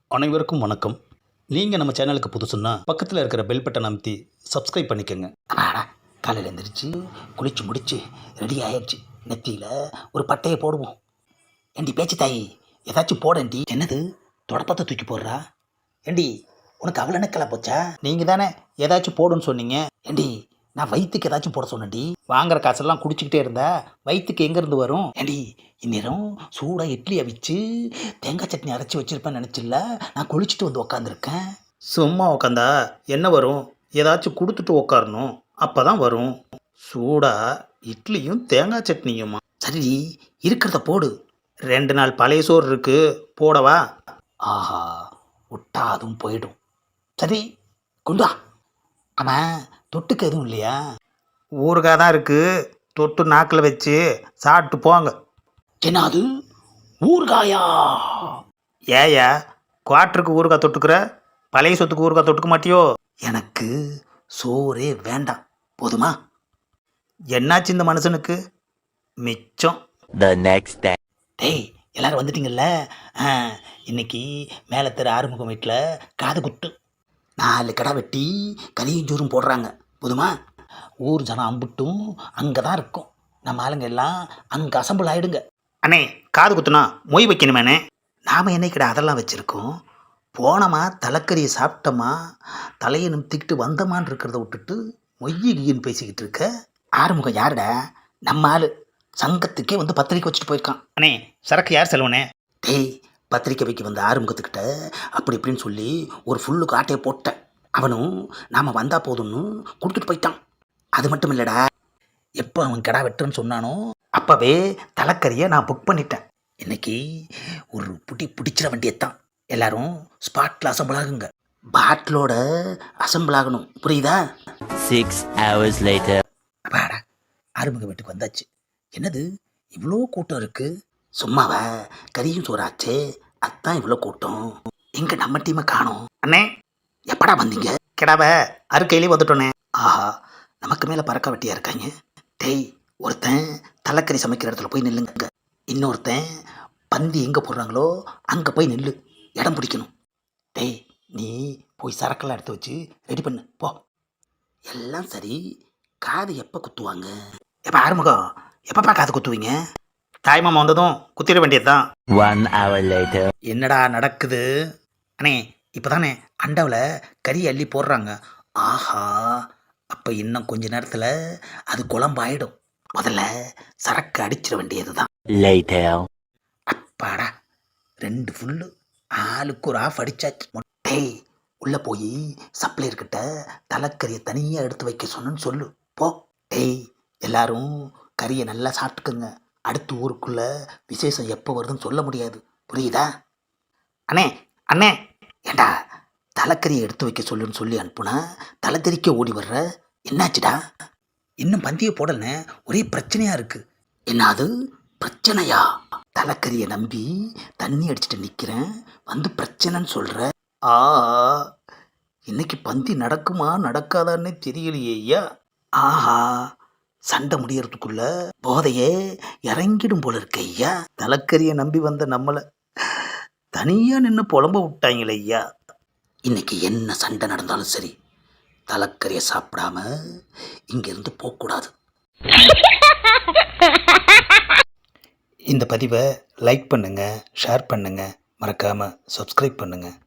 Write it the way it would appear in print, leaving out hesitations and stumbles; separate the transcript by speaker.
Speaker 1: அனைவருக்கும் வணக்கம். நீங்கள் நம்ம சேனலுக்கு புதுசுன்னா பக்கத்தில் இருக்கிற பெல் பட்டன் அமைத்தி சப்ஸ்கிரைப் பண்ணிக்கோங்க.
Speaker 2: அடாடா, காலையில் எழுந்திரிச்சு குளிச்சு முடிச்சு ரெடி ஆயிடுச்சு. நெத்தியில் ஒரு பட்டையை போடுவோம். ஏண்டி பேச்சு தாயி, ஏதாச்சும் போடண்டி. என்னது தொடப்பத்தை தூக்கி போடுறா? ஏண்டி உனக்கு அவ்வளோ நக்கலா போச்சா? நீங்கள் தானே ஏதாச்சும் போடுன்னு சொன்னீங்க. ஏண்டி நான் வயிற்றுக்கு ஏதாச்சும் போட சொன்னேன்டி. வாங்குற காசெல்லாம் குடிச்சிக்கிட்டே இருந்தா வயிற்றுக்கு எங்கேருந்து வரும்? ஏண்டி இந்நேரம் சூடாக இட்லி அவிச்சு தேங்காய் சட்னி அரைச்சி வச்சிருப்பேன்னு நினச்சில்ல, நான் குளிச்சுட்டு வந்து உக்காந்துருக்கேன்.
Speaker 1: சும்மா உக்காந்தா என்ன வரும்? ஏதாச்சும் கொடுத்துட்டு உக்காரணும், அப்போ தான் வரும். சூடாக இட்லியும் தேங்காய் சட்னியுமா?
Speaker 2: சரி, இருக்கிறத போடு.
Speaker 1: 2 நாள் பழைய சோறு இருக்கு, போடவா?
Speaker 2: ஆஹா, விட்டா அதுவும் போயிடும். சரி, கொண்டு வா. ஆமாம், தொட்டுக்கு எதுவும் இல்லையா?
Speaker 1: ஊறுகாய் தான் இருக்கு, தொட்டு நாக்கில் வச்சு சாப்பிட்டு போங்க.
Speaker 2: என்ன அது, ஊறுகாயா?
Speaker 1: ஏயா குவாட்டருக்கு ஊறுகாய் தொட்டுக்கிற, பழைய சொத்துக்கு ஊறுகாய் தொட்டுக்க மாட்டியோ?
Speaker 2: எனக்கு சோறே வேண்டாம், போதுமா?
Speaker 1: என்னாச்சு இந்த மனுஷனுக்கு? மிச்சம்.
Speaker 3: The next day.
Speaker 2: டேய், எல்லாரும் வந்துட்டீங்கல்ல? ஆ, இன்னைக்கு மேலே தெரு ஆறுமுகம் வீட்டில் காது குத்து. 4 கடை வெட்டி கறியும் சோறும் போடுறாங்க, போதுமா? ஊர் ஜனம் அம்புட்டும் அங்கே தான் இருக்கும். நம்ம ஆளுங்க எல்லாம் அங்கே அசம்பிள் ஆகிடுங்க.
Speaker 1: அண்ணே, காது குத்துனா மொய் வைக்கணுமேண்ணே.
Speaker 2: நாம் என்னைக்கிட்ட அதெல்லாம் வச்சுருக்கோம். போனோமா தலைக்கறியை சாப்பிட்டோமா தலையை நிமித்திக்கிட்டு வந்தமான்னு இருக்கிறத விட்டுட்டு மொய்யின்னு பேசிக்கிட்டு இருக்க. ஆறுமுகம் யாருடா? நம்ம ஆள். சங்கத்துக்கே வந்து பத்திரிக்கை வச்சுட்டு போயிருக்கான்.
Speaker 1: அண்ணே, சரக்கு யார் செலவுனே?
Speaker 2: டேய், பத்திரிக்கை வைக்க வந்த ஆறுமுகத்துக்கிட்ட அப்படி இப்படின்னு சொல்லி ஒரு ஃபுல்லுக்கு ஆட்டையை போட்டேன். அவனும் நாம் வந்தால் போதும்னு கொடுத்துட்டு போயிட்டான். அது மட்டும் இல்லைடா, எப்போ அவன் கடா வெட்டுன்னு சொன்னானோ அப்போவே தலைக்கறியை நான் புக் பண்ணிட்டேன். இன்னைக்கு ஒரு பிடிச்சிட வேண்டியதான். எல்லாரும் ஸ்பாட்டில் அசம்பிள் ஆகுங்க. பாட்டிலோட அசம்பிள் ஆகணும், புரியுதா?
Speaker 3: 6 hours later.
Speaker 2: அப்பாடா, ஆறுமுக வீட்டுக்கு வந்தாச்சு. என்னது இவ்வளோ கூட்டம் இருக்கு? சும்மாவா, கறியும் சோறாச்சே, அதான் இவ்வளோ கூட்டம். எங்க நம்ம டீமை காணோம்.
Speaker 1: அண்ணே,
Speaker 2: எப்படா வந்தீங்க?
Speaker 1: கிடாவை அறுக்கையிலே வந்துட்டோண்ணே.
Speaker 2: ஆஹா, நமக்கு மேலே பறக்க வெட்டியா இருக்காங்க. டேய், ஒருத்தன் தலைக்கறி சமைக்கிற இடத்துல போய் நில்லுங்க. இன்னொருத்தன் பந்தி எங்கே போடுறாங்களோ அங்கே போய் நில்லு, இடம் பிடிக்கணும். டேய், நீ போய் சரக்கெல்லாம் எடுத்து வச்சு ரெடி பண்ணு, போ. எல்லாம் சரி, காது எப்போ குத்துவாங்க? எப்போ ஆறுமுகம், எப்பப்பா காது குத்துவீங்க?
Speaker 1: தாய்மாமா வந்ததும் குத்திட வேண்டியது தான்.
Speaker 3: 1 hour later.
Speaker 2: என்னடா நடக்குது? அண்ணே, இப்போ தானே அண்டாவில் கறி அள்ளி போடுறாங்க. ஆஹா, அப்போ இன்னும் கொஞ்ச நேரத்தில் அது குழம்பாயிடும். முதல்ல சரக்கு அடிச்சிட வேண்டியது தான்.
Speaker 3: Later.
Speaker 2: அப்பாடா, 2 ஃபுல்லு, ஆளுக்கு ஒரு ஆஃப் அடிச்சாச்சு. மொட்டை உள்ளே போய் சப்ளையர்கிட்ட தலைக்கறியை தனியாக எடுத்து வைக்க சொன்னு சொல்லு, போ. டேய், எல்லாரும் கறியை நல்லா சாப்பிட்டுக்குங்க. அடுத்த ஊருக்குள்ளே விசேஷம் எப்போ வருதுன்னு சொல்ல முடியாது, புரியுதா?
Speaker 1: அண்ணே, அண்ணே,
Speaker 2: ஏண்டா தலைக்கறியை எடுத்து வைக்க சொல்லுன்னு சொல்லி அனுப்புனா தலை தெறிக்க ஓடி வர்ற? என்னாச்சுடா? இன்னும் பந்தியை போடலன்னு ஒரே பிரச்சனையாக இருக்குது. என்னது பிரச்சனையா? தலைக்கறியை நம்பி தண்ணி அடிச்சுட்டு நிற்கிறேன், வந்து பிரச்சனைன்னு சொல்கிற? ஆ, இன்னைக்கு பந்தி நடக்குமா நடக்காதான்னே தெரியலையே ஐயா. ஆஹா, சண்டை முடியறதுக்குள்ள போதையே இறங்கிடும் போல இருக்க ஐயா. தலைக்கறியை நம்பி வந்த நம்மளை தனியாக நின்று புலம்ப விட்டாங்களே ஐயா. இன்னைக்கு என்ன சண்டை நடந்தாலும் சரி, தலைக்கறியை சாப்பிடாம இங்கேருந்து போகக்கூடாது.
Speaker 1: இந்த பதிவை லைக் பண்ணுங்கள், ஷேர் பண்ணுங்கள், மறக்காமல் சப்ஸ்கிரைப் பண்ணுங்கள்.